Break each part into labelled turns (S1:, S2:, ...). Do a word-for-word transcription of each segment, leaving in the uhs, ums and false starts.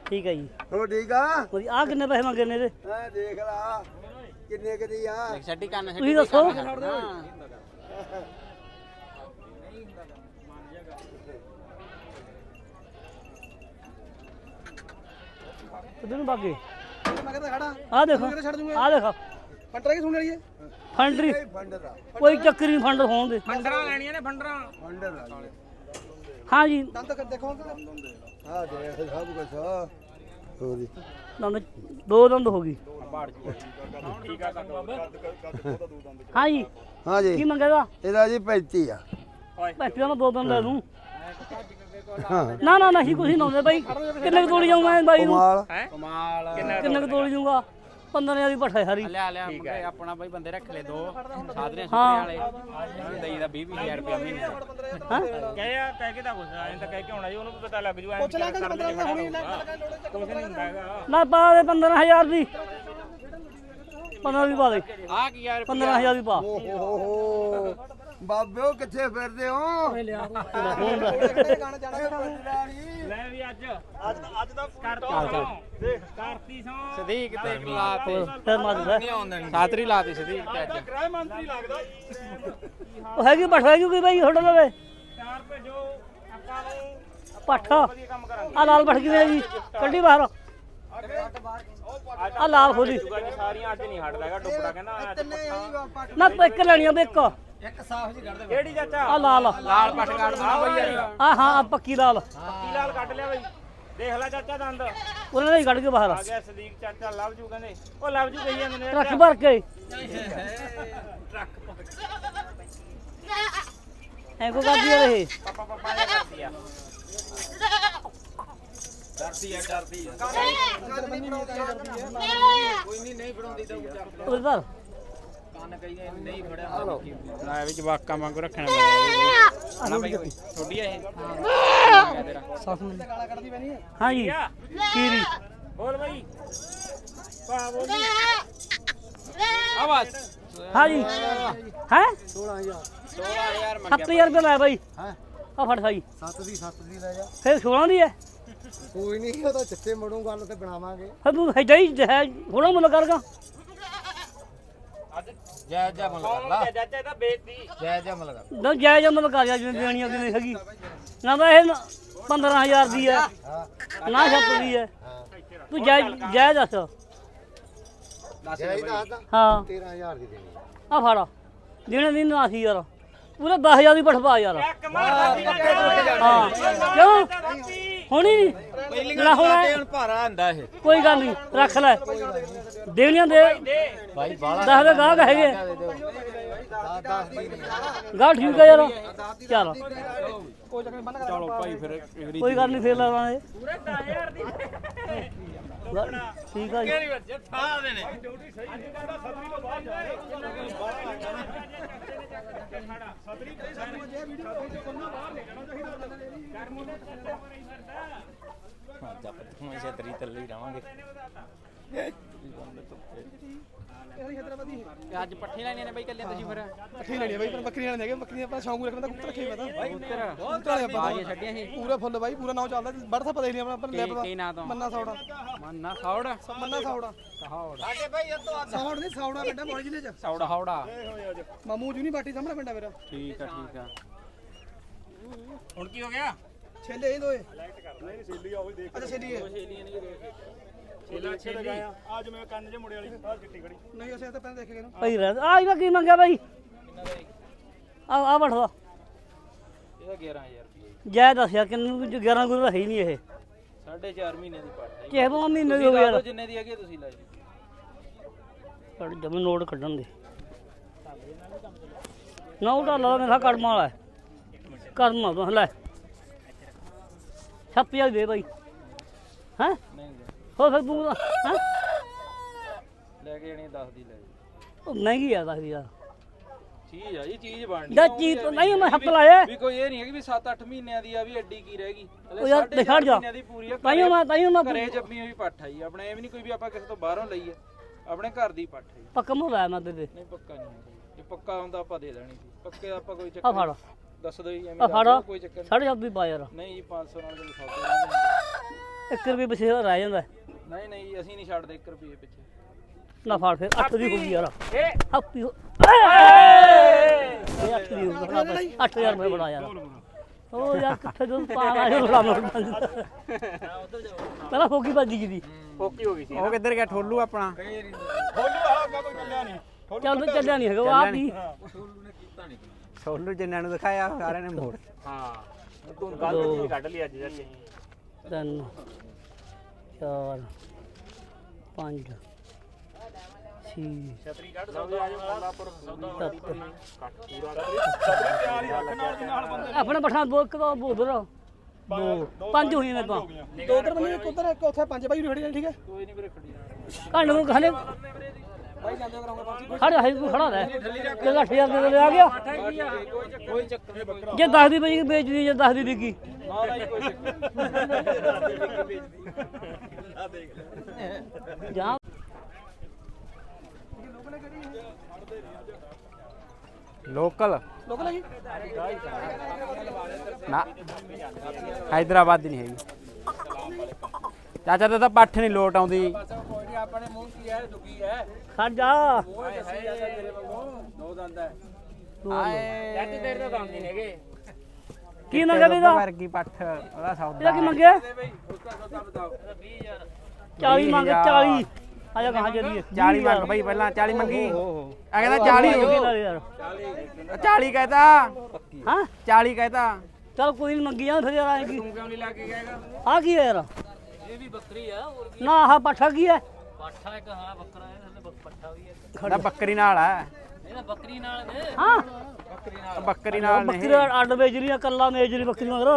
S1: ਠੀਕ ਹੈ ਜੀ
S2: ਹੋ ਠੀਕ ਆ
S1: ਆ ਕਿੰਨੇ ਪੈਸੇ ਮੰਗੇ ਨੇ ਇਹਦੇ
S2: ਹਾਂ ਦੇਖ ਲਾ ਕਿੰਨੇ ਕਦੀ ਆ
S3: ਛੱਡੀ ਕੰਨ
S1: ਤੁਸੀਂ ਦੱਸੋ ਕਿੱਧਰ ਨੂੰ ਬਾਗੇ
S2: ਮੈਂ ਕਹਿੰਦਾ ਖੜਾ
S1: ਆ ਦੇਖੋ
S2: ਛੱਡ ਦੂੰਗਾ
S1: ਆ ਦੇਖੋ
S2: ਫੰਡਰ ਕੀ ਸੁਣ ਲਈ
S1: ਫੰਡਰੀ
S2: ਫੰਡਰ ਆ
S1: ਕੋਈ ਚੱਕਰ ਨਹੀਂ ਫੰਡਰ ਹੋਣ ਦੇ
S3: ਫੰਡਰਾਂ ਲੈਣੀਆਂ ਨੇ ਫੰਡਰਾਂ
S2: ਫੰਡਰ ਆ
S1: ਹਾਂ ਜੀ
S2: ਦੰਦ ਕਰ ਦੇਖੋ ਹਾਂ ਦੇਖ ਸਭ ਕੁਝ ਹੋਰੀ
S1: ਦੰਦ ਦੋ ਦੰਦ ਹੋ ਗਈ
S3: ਠੀਕ ਆ
S1: ਹਾਂ ਜੀ
S2: ਹਾਂ
S1: ਕੀ
S2: ਜੀ
S1: ਮੰਗੇਗਾ
S2: ਇਹਦਾ ਜੀ ਪੈਂਤੀ ਆ
S1: ਪੈਸੇ ਮੈਂ ਦੋ ਦੰਦ ਲੈ ਦੂੰ
S2: ਹਾਂ
S1: ਨਾ ਨਾ ਨਹੀਂ ਕੁਛ ਨਾ ਹੁੰਦੇ ਬਾਈ ਕਿੰਨੇ ਕੁ ਤੋੜੀ ਜਾਊਂਗਾ ਮੈਂ ਬਾਈ ਨੂੰ
S2: ਕਮਾਲ
S3: ਹੈ ਕਮਾਲ
S1: ਕਿੰਨੇ ਕੁ ਤੋੜੀ ਜਾਊਂਗਾ ਪੰਦਰਾਂ ਹਜ਼ਾਰ ਦੀ ਭੱਠਾ ਸਾਰੀ
S3: ਲਿਆ ਲਿਆ ਮੁੰਡੇ ਆਪਣਾ ਬਾਈ ਬੰਦੇ ਰੱਖ ਲੈ ਦੋ ਸਾਧਰੇ ਸੁਪਰੇ ਵਾਲੇ ਦਈ ਦਾ ਵੀਹ ਵੀਹ ਹਜ਼ਾਰ ਰੁਪਏ ਮਹੀਨੇ
S1: ਹਾਂ
S4: ਕਹਿ ਆ ਕਹਿ ਕੇ ਤਾਂ ਕੁਛ ਐਂ ਤਾਂ ਕਹਿ ਕੇ ਹੋਣਾ ਜੀ ਉਹਨੂੰ ਵੀ ਪਤਾ ਲੱਗ ਜੂ ਐਂ ਪੁੱਛ ਲੈ ਕਿ ਬੰਦਾ ਹੁਣੀ ਕੁਛ ਨਹੀਂ ਹੁੰਦਾ ਹੈਗਾ
S1: ਨਾ ਪਾ ਦੇ ਪੰਦਰਾਂ ਹਜ਼ਾਰ ਦੀ ਪੰਦਰਾਂ ਦੀ ਪਾ ਦੇ
S3: ਆ ਕੀ ਯਾਰ
S1: ਪੰਦਰਾਂ ਹਜ਼ਾਰ ਦੀ ਪਾ
S2: ਓਹੋ ਬਾਬਿਓ ਕਿੱਥੇ ਫਿਰਦੇ ਹੋ
S4: ਲੈ ਵੀ ਅੱਜ ਅੱਜ ਅੱਜ ਦਾ ਕਰਤੀ ਦੇਖ ਕਰਤੀ ਸੌ
S3: ਸਦੀਕ ਤੇ ਲਾਤੇ
S1: ਫਿਰ ਮਾਰ ਦੇ
S3: ਸਾਤਰੀ ਲਾਤੀ ਸਦੀਕ ਤੇ ਅੱਜ
S4: ਗ੍ਰਹਿ ਮੰਤਰੀ ਲੱਗਦਾ
S1: ਉਹ ਹੈਗੀ ਭੱਠਾ ਹੈਗੀ ਕੋਈ ਬਾਈ ਤੁਹਾਡੇ ਲਵੇ
S4: ਚਾਰ ਭੇਜੋ ਆਪਾਂ ਨੂੰ
S1: ਭੱਠਾ
S4: ਵਧੀਆ ਕੰਮ ਕਰਾਂਗੇ
S1: ਆ ਲਾਲ ਭੱਠ ਕਿਵੇਂ ਜੀ ਕੱਢੀ ਬਾਹਰ ਆ ਲਾਲ ਖੋਲੀ
S4: ਜੀ ਸਾਰੀਆਂ ਅੱਜ ਨਹੀਂ ਹਟਦਾ ਹੈਗਾ ਡੁੱਬੜਾ ਕਹਿੰਦਾ ਅੱਜ ਪੱਠਾ
S1: ਨਾ ਇੱਕ ਲੈਣੀ ਆ ਇੱਕ
S2: ਇੱਕ ਸਾਫ ਜੀ ਕੱਢ ਦੇ
S4: ਕਿਹੜੀ ਚਾਚਾ
S1: ਆ ਲਾਲ
S3: ਲਾਲ ਪੱਟ ਕੱਢ ਦੇਣਾ ਬਈ ਯਾਰ
S1: ਆ ਹਾਂ ਆ ਪੱਕੀ ਲਾਲ
S4: ਪੱਕੀ ਲਾਲ ਕੱਢ ਲਿਆ ਬਈ ਦੇਖ ਲੈ ਚਾਚਾ ਦੰਦ ਆ
S1: ਉਹਨਾਂ ਨੇ ਹੀ ਕੱਢ ਕੇ ਬਾਹਰ
S4: ਗਿਆ ਸਦੀਕ ਚਾਚਾ ਲਵ ਜੂ ਕਹਿੰਦੇ ਉਹ ਲਵ ਜੂ ਕਹੀ ਜਾਂਦੇ ਨੇ
S1: ਟਰੱਕ ਭਰ ਕੇ ਐ ਕੋ ਕਰਦੀ ਆ ਇਹ
S4: ਪਾਪਾ ਪਾਪਾ ਇਹ ਕਰਦੀ ਆ
S3: ਡਰਦੀ ਆ ਡਰਦੀ ਆ ਕੋਈ ਨਹੀਂ ਨਹੀਂ ਫੜਾਉਂਦੀ ਤਾਂ
S1: ਉਧਰ
S3: ਕੰਨ ਕਹੀ ਨਹੀਂ ਫੜਿਆ ਲੈ ਵਿੱਚ ਵਾਕਾਂ ਵਾਂਗੂ ਰੱਖਣਾ ਪੈਂਦਾ ਨਾ ਬਈ ਛੋਡੀ ਇਹ ਤੇਰਾ
S1: ਸਾਫ ਨੂੰ ਹਾਂ ਜੀ ਕੀਰੀ
S4: ਬੋਲ ਬਈ ਪਾ ਬੋਲ
S3: ਆਵਾਜ਼
S1: ਹਾਂ ਜੀ ਹੈ
S2: ਸੋਲਾਂ ਹਜ਼ਾਰ
S3: ਸੋਲਾਂ ਹਜ਼ਾਰ
S1: ਸੱਤ ਹਜ਼ਾਰ ਰੁਪਏ ਲਾਇਆ ਬਾਈ
S2: ਹਾਂ
S1: ਆ ਫੜ ਸਾਈ
S2: ਸੱਤ ਦੀ ਸੱਤ ਦੀ ਲੈ ਜਾ
S1: ਫਿਰ ਸੋਲਾਂ ਦੀ ਹੈ
S2: ਕੋਈ ਨਹੀਂ ਉਹ ਤਾਂ ਚੱਕੇ ਮੜੂ ਗੱਲ ਤੇ ਬਣਾਵਾਂਗੇ
S1: ਫਿਰ ਤੂੰ ਹੈ ਜਾਈ ਹੈ ਥੋੜਾ ਮੁੱਲ ਕਰਗਾ
S3: ਜੈ ਜੈ ਮਲ ਕਰ ਲਾ
S4: ਚਾਚਾ ਇਹ ਤਾਂ ਬੇਇੱਜ਼ਤੀ
S3: ਜੈ ਜੈ ਮਲ ਕਰ
S1: ਨਾ ਜਾਇਜ਼ ਮੁੱਲ ਕਰ ਜਾ ਜਿਵੇਂ ਦੇਣੀ ਉਹਦੀ ਨਹੀਂ ਹੈਗੀ ਨਾ ਤਾਂ ਇਹ ਪੰਦਰਾਂ ਹਜ਼ਾਰ ਦੀ ਹੈ ਨਾ ਛੱਤ ਦੀ ਹੈ ਤੂੰ ਜਾਇਜ਼ ਜਾਇਜ਼ ਦੱਸ
S2: ਜਾਈ ਦੱਸਦਾ
S1: ਹਾਂ
S2: ਤੇਰਾਂ ਹਜ਼ਾਰ ਦੀ ਦੇਣੀ
S1: ਆ ਫੜ ਦੇਣੇ ਦੀ ਨਾ ਸੀ ਯਾਰ ਪੂਰਾ ਦਸ ਹਜ਼ਾਰ ਦੀ ਪਠਵਾ ਯਾਰ
S4: ਇੱਕ ਮਾਰ
S1: ਹਾਂ ਕਿਉਂ ਹੋਣੀ ਨਹੀਂ ਨਾ ਹੋਣਾ
S3: ਹੁਣ ਭਾਰਾ ਹੁੰਦਾ ਇਹ
S1: ਕੋਈ ਗੱਲ ਨਹੀਂ ਰੱਖ ਲੈ ਦੇਣੀਆਂ ਦੇ
S3: ਭਾਈ ਬਾਲਾ
S1: ਦਸ ਦੇ ਗਾਹਕ ਹੈਗੇ
S2: ਦਸ ਦਸ ਦੀ ਨਹੀਂ
S1: ਗਾਹ ਠੀਕ ਹੈ ਯਾਰ ਚੱਲ
S3: ਚਲੋ ਭਾਈ ਫਿਰ
S1: ਕੋਈ ਗੱਲ ਨਹੀਂ ਫੇਰ ਲਾਵਾਂਗੇ
S4: ਪੂਰੇ ਦਸ ਹਜ਼ਾਰ ਦੀ
S1: ਠੀਕ ਆ ਜੀ
S3: ਠਾ ਦੇ ਨੇ
S4: ਡਿਊਟੀ ਸਹੀ ਅੱਜ ਕਹਿੰਦਾ ਸਤਰੀ ਤੋਂ ਬਾਅਦ ਜਾਏ ਸਤਰੀ ਤੇ ਸਾਰੇ ਜੇ ਵੀਡੀਓ ਸਤਰੀ ਤੋਂ ਬਾਹਰ ਨਿਕਲਣਾ ਚਾਹੀਦਾ ਕਰ ਮੁੰਡੇ ਚੱਲਦਾ ਨਹੀਂ ਫਿਰਦਾ
S3: ਜੱਪ ਹੁਣ ਇਸੇ ਤਰੀ ਤੱਲੇ ਹੀ ਰਵਾਂਗੇ ਅੱਜ ਪੱਠੀ ਲੈਣੀਆਂ ਨੇ ਬਾਈ ਕੱਲੇ ਤੁਸੀਂ ਫਿਰ
S2: ਪੱਠੀ ਲੈਣੀ ਬਾਈ ਪਰ ਬੱਕਰੀਆਂ ਲੈਣੇ ਹੈਗੇ ਬੱਕਰੀਆਂ ਆਪਣਾ ਸ਼ੌਂਕ ਰੱਖਦਾ ਕੁੱਤੇ ਰੱਖੇ ਪਤਾ
S3: ਉੱਤਰ
S2: ਬਹੁਤ ਵਾਲੇ ਆਪਾਂ
S3: ਬਾਜੀਆਂ ਛੱਡੀਆਂ ਸੀ
S2: ਪੂਰਾ ਫੁੱਲ ਬਾਈ ਪੂਰਾ ਨਾਮ ਚੱਲਦਾ ਬੜਾ ਥਾ ਪਤਾ ਹੀ ਨਹੀਂ ਆਪਣਾ ਆਪਾਂ ਲੈ
S3: ਕੀ ਕੀ ਨਾਂ ਤੋਂ
S2: ਮੰਨਾ ਸੌੜਾ
S3: ਮੰਨਾ ਸੌੜਾ
S2: ਮੰਨਾ ਸੌੜਾ
S3: ਸੌੜਾ
S2: ਸੌੜ ਨਹੀਂ ਸੌੜਾ ਪਿੰਡਾ ਮੋੜ ਜ਼ਿਲ੍ਹੇ ਚ
S3: ਸੌੜਾ ਹੌੜਾ
S2: ਮਾਮੂ ਯੂਨੀਵਰਸਿਟੀ ਸਾਹਮਣੇ ਪਿੰਡਾ ਮੇਰਾ
S3: ਠੀਕ ਆ ਠੀਕ ਆ
S4: ਹੁਣ ਕੀ ਹੋ ਗਿਆ
S2: ਛੇਲੇ ਇਹ ਦੋਏ ਨਹੀਂ ਛੇਲੀ ਆ ਉਹ ਦੇਖ ਅੱਛਾ ਛੇਲੀ ਹੈ
S4: ਛੇਲਾ ਛੇਲੀ ਅੱਜ ਮੈਂ ਕੰਨ ਜੇ ਮੁੜੇ ਵਾਲੀ ਆ ਚਿੱਟੀ ਖੜੀ
S2: ਨਹੀਂ ਅਸੀਂ ਤਾਂ ਪਹਿਲਾਂ ਦੇਖ ਗਏ ਨਾ
S1: ਭਾਈ ਰਹਿ ਆ ਇਹਦਾ ਕੀ ਮੰਗਿਆ ਬਾਈ ਆ ਆ ਬਠਵਾ
S3: ਇਹਦਾ ਗਿਆਰਾਂ ਹਜ਼ਾਰ ਰੁਪਏ
S1: ਜੈ ਦੱਸਿਆ ਕਿੰਨੂੰ ਗਿਆਰਾਂ ਗੁਰੂ ਤਾਂ ਹੈ ਹੀ ਨਹੀਂ ਇਹ
S3: ਸਾਢੇ ਚਾਰ ਮਹੀਨੇ ਦੀ ਪੱਟ ਹੈ
S1: ਕਿਸੇ ਬੋ ਮਹੀਨੇ ਦੀ ਹੋ ਗਈ ਯਾਰ
S3: ਜਿੰਨੇ ਦੀ ਹੈਗੀ ਤੁਸੀਂ ਲੈ ਜੀ
S1: ਕੱਢ ਜਮ ਨੋਟ ਕੱਢਣ ਦੇ ਨਾ ਉਹ ਢਾਲਾ ਮੇਰਾ ਕੜਮਾ ਵਾਲਾ ਕਰਨਾ ਤੂੰ ਲੈ ਛੱਤ ਹਜ਼ਾਰ ਦੇ ਬਾਈ ਹੈਂ
S3: ਨਹੀਂ
S1: ਹੋ ਫਿਰ ਤੂੰ ਹੈਂ
S3: ਲੈ ਕੇ ਜਾਣੀ ਦਸ ਦੀ ਲੈ ਜੀ
S1: ਉਹ ਮਹਿੰਗੀ ਆ ਦੱਸਦੀ ਯਾਰ
S3: ਚੀਜ਼ ਆ ਜੀ ਚੀਜ਼ ਬਣਨੀ
S1: ਦਾ ਚੀਜ਼ ਤਾਂ ਨਹੀਂ ਮੈਂ ਹੱਥ ਲਾਇਆ
S3: ਵੀ ਕੋਈ ਇਹ ਨਹੀਂ ਹੈ ਕਿ ਵੀ ਸੱਤ ਅੱਠ ਮਹੀਨਿਆਂ ਦੀ ਆ ਵੀ ਐਡੀ ਕੀ ਰਹਿ ਗਈ
S1: ਉਹ ਯਾਰ ਦਿਖਾ ਜਾ
S3: ਮਹੀਨਿਆਂ ਦੀ ਪੂਰੀ ਆ
S1: ਤਾਈਓ ਮੈਂ ਤਾਈਓ ਮੈਂ
S3: ਘਰੇ ਜੰਮੀ ਹੋਈ ਪੱਠ ਆਈ ਆਪਣੇ ਇਹ ਵੀ ਨਹੀਂ ਕੋਈ ਵੀ ਆਪਾਂ ਕਿਸੇ ਤੋਂ ਬਾਹਰੋਂ ਲਈਏ ਆਪਣੇ ਘਰ ਦੀ ਪੱਠ ਹੈ
S1: ਪੱਕਾ ਮੁੱਲ ਆਇਆ ਮੈਂ ਤੇਰੇ
S3: ਨਹੀਂ ਪੱਕਾ ਨਹੀਂ ਹੈ ਜੇ ਪੱਕਾ ਹੁੰਦਾ ਆਪਾਂ ਦੇ ਦੇਣੀ ਸੀ ਪੱਕੇ ਦਾ ਆਪਾਂ ਕੋਈ
S1: ਆ
S3: ਚੱਕਰ
S1: ਫੜ
S3: ਦੱਸ ਦਿਓ ਜੀ
S1: ਆ
S3: ਐਵੇਂ
S1: ਫੜ
S3: ਦੱਸ ਦਿਓ, ਕੋਈ ਚੱਕਰ
S1: ਸਾਢੇ ਸੱਤ ਦੀ ਪਾ ਯਾਰ
S3: ਨਹੀਂ ਜੀ ਪੰਜ ਸੌ ਨਾਲ ਕੋਈ ਸੌਦਾ ਨਹੀਂ
S1: ਇੱਕ ਰੁਪਏ ਬਸੇਰਾ ਰਹਿ ਜਾਂਦਾ
S3: ਨਹੀਂ ਨਹੀਂ ਅਸੀਂ ਨਹੀਂ ਛੱਡਦੇ ਇੱਕ ਰੁਪਏ ਪਿੱਛੇ
S1: ਨਾ ਫੜ ਫਿਰ ਅੱਠ ਦੀ ਹੋ ਗਈ ਯਾਰ
S3: ਇਹ
S1: ਹੱਪੀ ਹੋ ਇਹ ਅੱਠ ਦੀ ਹੋ ਗਈ ਅੱਠ ਹਜ਼ਾਰ ਰੁਪਏ ਬਣਾ ਯਾਰ ਉਹ ਯਾਰ ਕਿੱਥੇ ਜਦੋਂ ਪਾਣਾ ਹੈ ਬੜਾ ਮੋੜ ਪਹਿਲਾਂ ਫੋਕੀ ਵੱਜ ਗਈ ਦੀ
S3: ਫੋਕੀ ਹੋ ਗਈ ਸੀ
S5: ਉਹ ਕਿੱਧਰ ਗਿਆ ਠੋਲੂ ਆਪਣਾ
S4: ਖੋਲੂ ਆ ਅੱਗਾ ਕੋਈ ਚੱਲਿਆ ਨਹੀਂ
S1: ਚੱਲ ਤੇ ਚੱਲਿਆ ਨਹੀਂ ਹੈਗਾ ਉਹ ਆਪ ਹੀ
S5: ਠੋਲੂ ਜਿੰਨਾਂ ਨੂੰ ਦਿਖਾਇਆ ਸਾਰਿਆਂ ਨੇ ਮੋੜ
S3: ਹਾਂ ਤੂੰ ਗੱਲ ਕੀ ਕੱਢ ਲਈ ਅੱਜ ਜੱਟ
S1: ਤਿੰਨ ਚਾਰ ਪੰਜ ਛੇ
S3: ਛਤਰੀ ਕੱਢ ਸੌਦਾ ਆ ਜਾ ਮੱਲਾਪੁਰ ਸੌਦਾ
S1: ਸੱਤ
S3: ਕੱਟ ਪੂਰਾ
S4: ਛਤਰੀ ਤਿਆਰ ਹੀ ਰੱਖ ਨਾਲ ਦੀ ਨਾਲ ਬੰਦੇ
S1: ਆਪਣੇ ਪਠਾਨ ਦੋ ਕਦੋਂ ਬੋਦਰ ਦੋ ਪੰਜ ਹੋਈਆਂ ਨੇ ਤਾਂ
S2: ਦੋ ਉਧਰ ਬੰਦੇ ਇੱਕ ਉਧਰ ਇੱਕ ਉੱਥੇ ਪੰਜ ਬਾਈ ਖੜੀ ਠੀਕ ਹੈ
S3: ਕੋਈ ਨਹੀਂ ਵੀਰੇ ਖੜੀ
S1: ਘੰਟ ਨੂੰ ਖਾਲੇ
S2: ਬਾਈ ਜਾਂਦੇ ਕਰਾਂਗੇ ਪੰਜ
S1: ਖੜਾ ਹੈ ਕੋਈ ਖੜਾ ਰਹਿ ਜੇ ਅੱਠ ਹਜ਼ਾਰ ਦੇ ਆ ਗਿਆ
S3: ਕੋਈ ਚੱਕਰ ਨਹੀਂ ਬੱਕਰਾ
S1: ਜੇ ਦਸ ਦੀ ਬਈ ਵੇਚਦੀ ਜੇ ਦਸ ਦੀ ਵਿਕੀ
S3: ਨਾ ਨਾ ਕੋਈ ਚੱਕਰ
S1: ਜਾਂ
S5: ਲੋਕਲ
S2: ਲੋਕ ਲੱਗੀ
S5: ਨਾ ਹੈਦਰਾਬਾਦ ਦੀ ਨਹੀਂ ਹੈਗੀ ਚਾਚਾ ਤੇ ਤਾਂ ਪੱਠ ਨਹੀਂ ਲੋਟ ਆਉਂਦੀ
S3: ਆਪਣੇ ਮੂੰਹ ਕੀ ਹੈ ਦੁਖੀ ਹੈ
S1: ਖੜ ਜਾ
S3: ਓਏ ਹੈ ਤੇਰੇ ਵਾਂਗੂ ਦੋ ਦੰਦ ਹੈ
S5: ਆਏ
S3: ਜੱਟ ਤੇਰੇ ਤਾਂ ਦੰਦ ਨਹੀਂ ਹੈਗੇ
S1: ਕੀ ਮੰਗਿਆ ਵੀ ਦਾ
S5: ਵਰਗੀ ਪੱਠ ਉਹਦਾ
S1: ਇਹਦਾ
S5: ਸੌਦਾ
S1: ਕੀ ਮੰਗਿਆ
S3: ਬਈ ਉਸਦਾ ਸੌਦਾ ਬਤਾਓ ਵੀਹ ਹਜ਼ਾਰ
S1: ਚਾਲੀ ਮੰਗ ਚਾਲੀ ਆ ਜਾ ਕਹਾਂ ਚੱਲੀਏ
S5: ਚਾਲੀ ਮੰਗ ਬਈ ਪਹਿਲਾਂ ਚਾਲੀ ਮੰਗੀ ਆ ਕਹਿੰਦਾ ਚਾਲੀ ਹੋ ਗਈ
S1: ਯਾਰ
S5: ਚਾਲੀ ਕਹਿਤਾ
S1: ਹਾਂ
S5: ਚਾਲੀ ਕਹਿਤਾ
S1: ਚਲ ਕੋਈ ਨਹੀਂ ਮੰਗੀ ਜਾਂ ਫਿਰ ਯਾਰ ਆਏਗੀ
S3: ਤੂੰ ਕਿਉਂ ਨਹੀਂ ਲਾ ਕੇ ਗਏਗਾ
S1: ਆ ਕੀ ਹੈ ਯਾਰ
S3: ਇਹ ਵੀ ਬੱਕਰੀ ਆ ਹੋਰ
S1: ਨਾ ਆਹ ਪੱਠਾ ਕੀ ਹੈ
S3: ਪਾਠਾ ਇੱਕ ਹਾਂ ਬੱਕਰਾ ਹੈ ਥੱਲੇ ਪੱਠਾ ਵੀ ਹੈ
S5: ਇਹਦਾ ਬੱਕਰੀ ਨਾਲ ਆ
S3: ਇਹਦਾ ਬੱਕਰੀ ਨਾਲ ਨੇ
S1: ਹਾਂ
S3: ਬੱਕਰੀ ਨਾਲ
S5: ਬੱਕਰੀ ਨਾਲ
S1: ਬੱਕਰੀ
S5: ਨਹੀਂ
S1: ਅੱਡ ਵੇਚ ਰਹੀ ਆ ਕੱਲਾ ਮੇਜ ਰਹੀ ਬੱਕਰੀ ਮਗਰ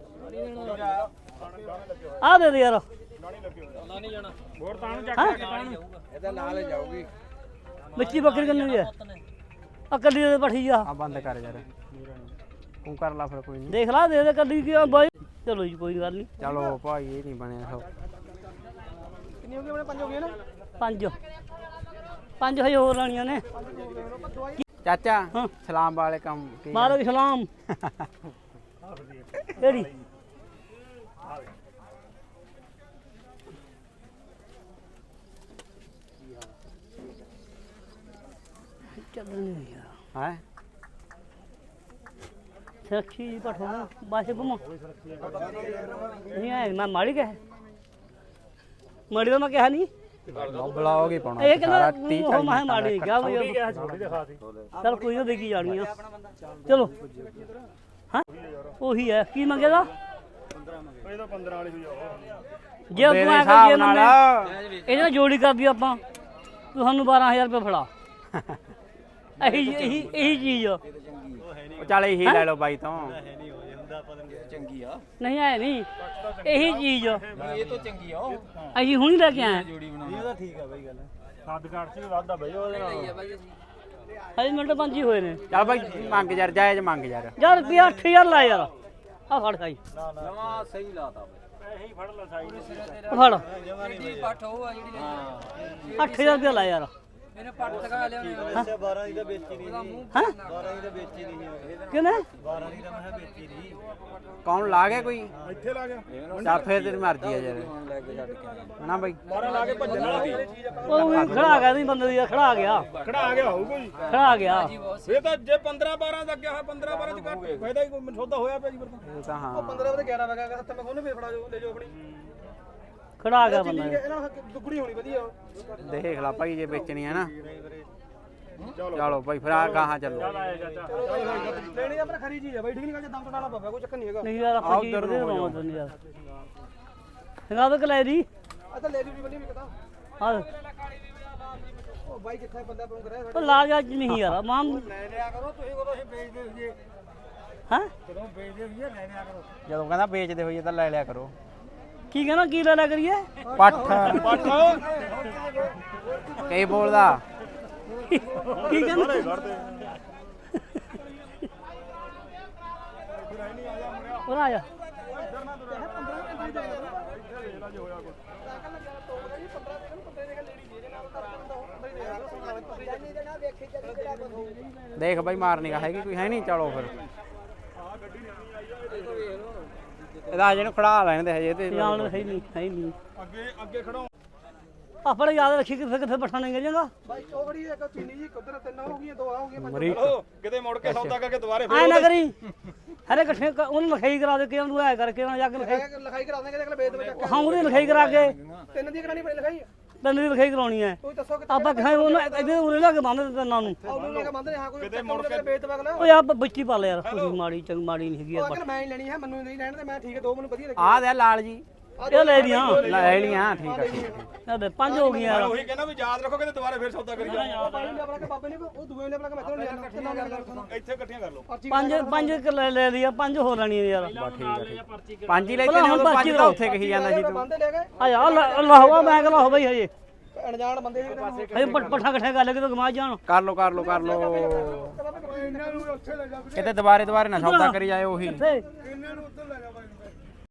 S1: ਆ ਦੇ ਦੇ ਯਾਰ
S3: ਨਾ ਨਹੀਂ ਜਾਣਾ
S4: ਹੋਰ ਤਾਂ ਨੂੰ ਚੱਕ
S1: ਹੈਂ?
S4: ਕੇ ਤਾਂ ਨੂੰ
S3: ਇਹਦਾ ਨਾਲ ਜਾਊਗੀ
S1: ਮਿੱਟੀ ਬੱਕਰੀ ਕਿੰਨੀ ਹੈ ਆ ਕੱਲੀ ਦੇ ਪੱਠੀ ਆ
S5: ਆ ਬੰਦ ਕਰ ਯਾਰ ਤੂੰ ਕਰ ਲਾ ਫਿਰ ਕੋਈ ਨਹੀਂ
S1: ਦੇਖ ਲਾ ਦੇ ਦੇ ਕੱਲੀ ਕੀ ਆ ਬਾਈ ਚਲੋ ਜੀ ਕੋਈ ਗੱਲ ਨਹੀਂ
S5: ਚਲੋ ਭਾਈ ਇਹ ਨਹੀਂ ਬਣਿਆ ਸਭ
S2: ਕਿੰਨੀ ਹੋ ਗਈ ਆਪਣੇ ਪੰਜ ਹੋ ਗਏ ਨਾ
S1: ਪੰਜ ਪੰਜ ਹਜੇ ਹੋਰ ਲੈਣੀਆਂ ਨੇ
S5: ਚਾਚਾ
S1: ਹਾਂ।
S5: ਸਲਾਮ ਵਾਲੇ ਕੰਮ ਕੀ
S1: ਮਾਲਕ ਸਲਾਮ ਕਿਹੜੀ ਚੱਲਣੀ ਯਾਰ
S5: ਹੈ
S1: ਸੱਚੀ ਪਠਾ ਬਾਸੇ ਘੁਮਾ ਨਹੀਂ ਆਇਆ ਮੈਂ ਮਾੜੀ ਕਹੇ ਮਾੜੀ ਦਾ ਮੈਂ ਕਿਹਾ ਨਹੀਂ
S5: ਬਲੌਗ ਹੀ ਪਾਉਣਾ
S1: ਇਹ
S5: ਸਾਰਾ
S1: ਕਹਿੰਦਾ
S5: ਤੀਹ
S1: ਉਹ
S5: ਚਾਲੀ
S1: ਮੈਂ ਮਾੜੀ
S5: ਮਿੰਟਾਂ
S1: ਕਿਹਾ ਬਈ
S4: ਛੋਟੀ ਦਿਖਾ ਸੀ
S1: ਚਲ ਕੋਈ ਨਾ ਦੇਖੀ ਜਾਣੀ ਆ ਚਲੋ ਹਾਂ ਉਹੀ ਹੈ ਕੀ ਮੰਗਿਆ ਦਾ
S4: ਇਹ ਤਾਂ ਪੰਦਰਾਂ ਵਾਲੀ ਹੋਈ ਆ
S1: ਜੇ
S5: ਦੇ
S1: ਤੂੰ
S5: ਦੇ
S1: ਆ
S5: ਹਿਸਾਬ
S1: ਕੇ
S5: ਨਾਲ
S1: ਇਹਦੇ ਨਾਲ ਜੋੜੀ ਕਰਦੀ ਆਪਾਂ ਤੂੰ ਸਾਨੂੰ ਬਾਰਾਂ ਹਜ਼ਾਰ ਰੁਪਏ ਫੜਾ ਇਹੀ ਇਹੀ ਇਹੀ ਚੀਜ਼ ਆ।
S5: ਉਹ ਚੱਲ ਇਹੀ ਲੈ ਲਓ ਬਾਈ ਤੋਂ
S3: ਚੰਗੀ ਆ
S1: ਨਹੀਂ ਆਏ ਨਹੀਂ ਇਹੀ ਚੀਜ਼ ਆ।
S3: ਇਹ ਤਾਂ ਚੰਗੀ ਆ ਉਹ
S1: ਅਸੀਂ ਹੁਣੀ ਲੈ ਕੇ ਆਏ
S3: ਜੋੜੀ ਬਣਾਉਣਾ
S4: ਸੱਦ ਘਾਟ ਸੀ ਵਾਧਾ ਬਈ ਉਹਦੇ ਨਾਲ
S1: ਹਜੇ ਮਿੰਟ ਪੰਜ ਹੀ ਹੋਏ ਨੇ
S5: ਚੱਲ ਬਾਈ ਮੰਗ ਯਾਰ ਜਾਇਜ਼ ਮੰਗ ਯਾਰ
S1: ਯਾਰ ਰੁਪਿਆ ਅੱਠ ਹਜ਼ਾਰ ਲਾ ਯਾਰ ਆ ਫੜ ਖਾਈ
S3: ਨਵਾਂ ਸਹੀ ਲਾਤਾ
S4: ਪੈਸੇ ਹੀ ਫੜ ਲੈ ਸਾਈ
S1: ਆ ਫੜ
S3: ਜਿਹੜੀ ਪੱਠ ਉਹ ਆ ਜਿਹੜੀ ਹਾਂ
S1: ਅੱਠ ਹਜ਼ਾਰ ਰੁਪਇਆ ਲਾ ਯਾਰ
S3: ਇਹਨੇ ਪੱਠ ਲਗਾ ਲਿਆਉਣੀ
S2: ਅੱਛਾ ਬਾਰਾਂ ਦੀ ਤਾਂ ਵੇਚੀ ਨਹੀਂ
S1: ਹਾਂ
S2: ਬਾਰਾਂ ਦੀ ਤਾਂ ਵੇਚੀ ਨਹੀਂ
S1: ਕਿਨੇ
S2: ਬਾਰਾਂ ਦੀ ਤਾਂ ਮੈਂ ਵੇਚੀ ਨਹੀਂ
S5: ਕੌਣ ਲਾ ਗਿਆ ਕੋਈ
S4: ਇੱਥੇ ਲਾ ਗਿਆ
S5: ਚੱਲ ਫੇਰ ਤੇਰੀ ਮਰਜ਼ੀ ਆ ਯਾਰ
S3: ਲੈ ਕੇ ਛੱਡ ਕੇ
S5: ਨਾ ਬਾਈ
S4: ਬਾਰਾਂ ਲਾ ਕੇ ਭੱਜਣ ਵਾਲਾ ਸੀ
S1: ਉਹ ਵੀ ਖੜਾ ਗਿਆ ਨਹੀਂ ਬੰਦੇ ਦੀ ਖੜਾ ਗਿਆ
S4: ਖੜਾ ਆ ਗਿਆ ਹੋਊਗਾ ਜੀ
S1: ਖੜਾ ਗਿਆ
S4: ਇਹ ਤਾਂ ਜੇ ਪੰਦਰਾਂ ਬਾਰਾਂ ਦਾ ਗਿਆ ਹੋਇਆ ਪੰਦਰਾਂ ਬਾਰਾਂ ਚ ਘੱਟ ਫਾਇਦਾ ਹੀ ਕੋਈ ਸੌਦਾ ਹੋਇਆ ਪਿਆ ਜੀ ਫਿਰ ਤਾਂ
S5: ਇਹ ਤਾਂ ਹਾਂ
S2: ਪੰਦਰਾਂ ਵਜੇ ਗਿਆਰਾਂ ਵਜੇ ਹੱਥ ਮੈਂ ਕੋਨੇ ਫੇਰ ਫੜਾ ਜਾਓ ਲੈ ਜਾਓ ਆਪਣੀ
S1: ਖੜਾ ਗਿਆ ਬੰਦਾ
S2: ਠੀਕ ਹੈ ਇਹਨਾਂ ਨਾਲ ਦੁੱਗਣੀ ਹੋਣੀ ਵਧੀਆ
S5: ਦੇਖ ਲਾ ਭਾਈ ਜੇ ਵੇਚਣੀ ਹੈ ਨਾ ਚਲੋ ਭਾਈ ਫਿਰ ਆ ਗਾਹਾਂ ਚੱਲੋ
S2: ਲੈਣੀ ਆਪਣਾ ਖਰੀ ਚੀਜ਼ ਹੈ ਬਾਈ ਠੀਕ ਨਹੀਂ ਗੱਲ ਜੇ ਦਮ ਤੋਂ ਡਾਲਾ ਪਵੇ ਕੋਈ ਚੱਕਰ ਨਹੀਂ ਹੈਗਾ
S1: ਨਹੀਂ ਯਾਰ ਆਪਾਂ ਕੀ ਬਦੇ ਰਵਾਂ ਨਹੀਂ ਯਾਰ ਹੰਗਾ ਤਾਂ ਕਲੇ ਦੀ
S2: ਆ ਤਾਂ ਲੈ ਲਈ ਬਣੀ ਵੀ ਪਤਾ
S1: ਹਾਂ
S2: ਉਹ ਬਾਈ ਕਿੱਥੇ ਬੰਦਾ ਪਰੋਂ ਕਰਿਆ
S1: ਉਹ ਲਾ ਜਾ ਨਹੀਂ ਯਾਰ ਮਾਂ
S2: ਲੈ ਲਿਆ ਕਰੋ ਤੁਸੀਂ ਕੋਲੋਂ ਅਸੀਂ ਵੇਚਦੇ ਹੋਈਏ
S1: ਹਾਂ
S2: ਜਦੋਂ ਵੇਚਦੇ ਹੋਈਏ ਲੈ ਲਿਆ ਕਰੋ
S5: ਜਦੋਂ ਕਹਿੰਦਾ ਵੇਚਦੇ ਹੋਈਏ ਤਾਂ ਲੈ ਲਿਆ ਕਰੋ
S1: ਕੀ ਕਹਿੰਦਾ ਕੀ ਲੈ ਲਿਆ ਕਰੀਏ
S5: ਪੱਠ ਕਈ ਬੋਲਦਾ
S1: ਕੀ ਕਹਿੰਦਾ ਉਹ ਆ ਜਾ
S5: ਦੇਖ ਬਾਈ ਮਾਰਨੀ ਕਾ ਹੈਗੀ ਕੋਈ ਹੈ ਨਹੀਂ ਚਲੋ ਫਿਰ ਇਹਦਾ ਹਜੇ ਨੂੰ ਖੜਾ ਲੈਣ ਦੇ ਹਜੇ ਤੇ
S1: ਜਾਣ ਹੈ ਹੀ ਨਹੀਂ ਹੈ ਹੀ ਨਹੀਂ
S4: ਅੱਗੇ ਅੱਗੇ ਖੜੋ
S1: ਆਪਣੇ ਯਾਦ ਰੱਖੀ ਕਿੱਥੇ ਕਿੱਥੇ ਬੱਠਾ ਨਹੀਂ ਜਾਏਗਾ
S2: ਬਾਈ ਉਹ ਖੜੀ ਇੱਕ ਚੀਨੀ ਜੀ ਉਧਰ ਤਿੰਨ ਹੋ ਗਈਆਂ ਦੋ ਆ ਹੋ ਗਈਆਂ
S5: ਮਰੀਕ
S4: ਚਲੋ ਕਿਤੇ ਮੁੜ ਕੇ ਸੌਦਾ ਕਰਕੇ ਦੁਬਾਰੇ
S1: ਐ ਨਾ ਕਰੀ ਹਰੇ ਇਕੱਠੇ ਕ- ਉਹਨੂੰ ਲਿਖਾਈ ਕਰਾ ਦੇ ਕਿ ਉਹਨੂੰ ਐ ਕਰਕੇ ਉਹਨਾਂ ਜਾ ਕੇ ਲਿਖਾਈ
S2: ਫੇਰ ਲਿਖਾਈ ਕਰਾ ਦਾਂਗੇ ਅਗਲੇ ਵੇਚ ਵਿੱਚ
S1: ਹਾਂ ਉਹਦੀ ਲਿਖਾਈ ਕਰਾ ਕੇ
S2: ਤਿੰਨ ਦੀ ਕਰਾਣੀ ਪਈ ਲਿਖਾਈ
S1: ਤੈਨੂੰ ਦੀ ਲਿਖਾਈ ਕਰਾਉਣੀ ਐ
S2: ਤੂੰ ਦੱਸੋ ਕਿ
S1: ਆਪਾਂ ਕਹਾਂ ਉਹਨੂੰ ਇਹਦੇ ਉਰੇ ਲਾ ਕੇ ਬੰਨ ਦੇ ਤੈਨਾਂ ਨੂੰ
S2: ਉਹਨੂੰ ਲੈ ਕੇ ਬੰਦ ਨੇ ਹਾਂ ਕੋਈ ਕਿਤੇ ਮੁੜ ਕੇ ਵੇਚ ਅਗਲਾ
S1: ਓਏ ਆ ਬੱਚੀ ਪਾ ਲੈ ਯਾਰ ਤੁਸੀਂ ਮਾੜੀ ਚੰਗ ਮਾੜੀ ਨਹੀਂ ਹੈਗੀ
S2: ਉਹ
S1: ਯਾਰ
S2: ਅਗਲ ਮੈਂ ਹੀ ਲੈਣੀ ਹੈ ਮੈਨੂੰ ਨਹੀਂ ਲੈਣ ਤੇ ਮੈਂ ਠੀਕ ਹੈ ਦੋ ਮੈਨੂੰ ਵਧੀਆ ਲੱਗੀ
S5: ਆਹ ਦੇ ਲਾਲ ਜੀ
S1: ਇਹ ਲੈ ਲੀਆਂ
S5: ਲੈ ਲੀਆਂ ਠੀਕ ਆ ਠੀਕ ਆ।
S1: ਇਹਦੇ ਪੰਜ ਹੋ ਗਈਆਂ ਯਾਰ
S4: ਉਹੀ ਕਹਿੰਦਾ ਵੀ ਯਾਦ ਰੱਖੋ ਕਿਤੇ ਦੁਬਾਰੇ ਫੇਰ ਸੌਦਾ ਕਰੀ ਜਾਓ
S2: ਬਾਈ ਨੇ ਆਪਣਾ ਕਿ ਬਾਬੇ ਨੇ ਉਹ ਦੂਏ ਨੇ ਆਪਣਾ ਕਿ ਮੈਂ ਤੁਹਾਨੂੰ ਲੈਣਾ ਕਿੰਨਾ ਲੈਣਾ
S4: ਇੱਥੇ ਇਕੱਠੀਆਂ ਕਰ ਲਓ
S1: ਪੰਜ ਪੰਜ ਕੁ ਲੈ ਲੈ ਲਿਆ ਪੰਜ ਹੋ ਲੈਣੀਆਂ ਯਾਰ
S5: ਬਸ ਠੀਕ ਆ ਠੀਕ ਆ। ਪੰਜ ਹੀ ਲੈ ਕੇ ਨੇ ਉਦੋਂ ਪੰਜ ਤਾਂ ਉੱਥੇ ਕਹੀ ਜਾਂਦਾ ਸੀ ਤੂੰ
S2: ਬੰਦੇ ਲੈ ਗਏ
S1: ਆ ਯਾਰ ਅੱਲਾਹ ਹੋਆ ਮੈਂ ਕਹਿੰਦਾ ਹੋ ਬਈ ਹਜੇ
S2: ਅਣਜਾਣ ਬੰਦੇ ਸੀ
S1: ਹਜੇ ਪੱਠਾ ਇਕੱਠੇ ਕਰ ਲੈ ਕੇ ਤੂੰ ਗਮਾ ਜਾਣ
S5: ਕਰ ਲੋ ਕਰ ਲੋ ਕਰ ਲੋ
S2: ਇਹਨਾਂ ਨੂੰ ਉੱਥੇ ਲੈ ਜਾ
S5: ਕਿਤੇ ਦੁਬਾਰੇ ਦੁਬਾਰੇ ਨਾ ਸੌਦਾ ਕਰੀ ਜਾਏ ਉਹੀ
S1: ਤੇ
S2: ਇਹਨਾਂ ਨੂੰ ਉੱਧਰ ਲੈ ਜਾ ਬਾਈ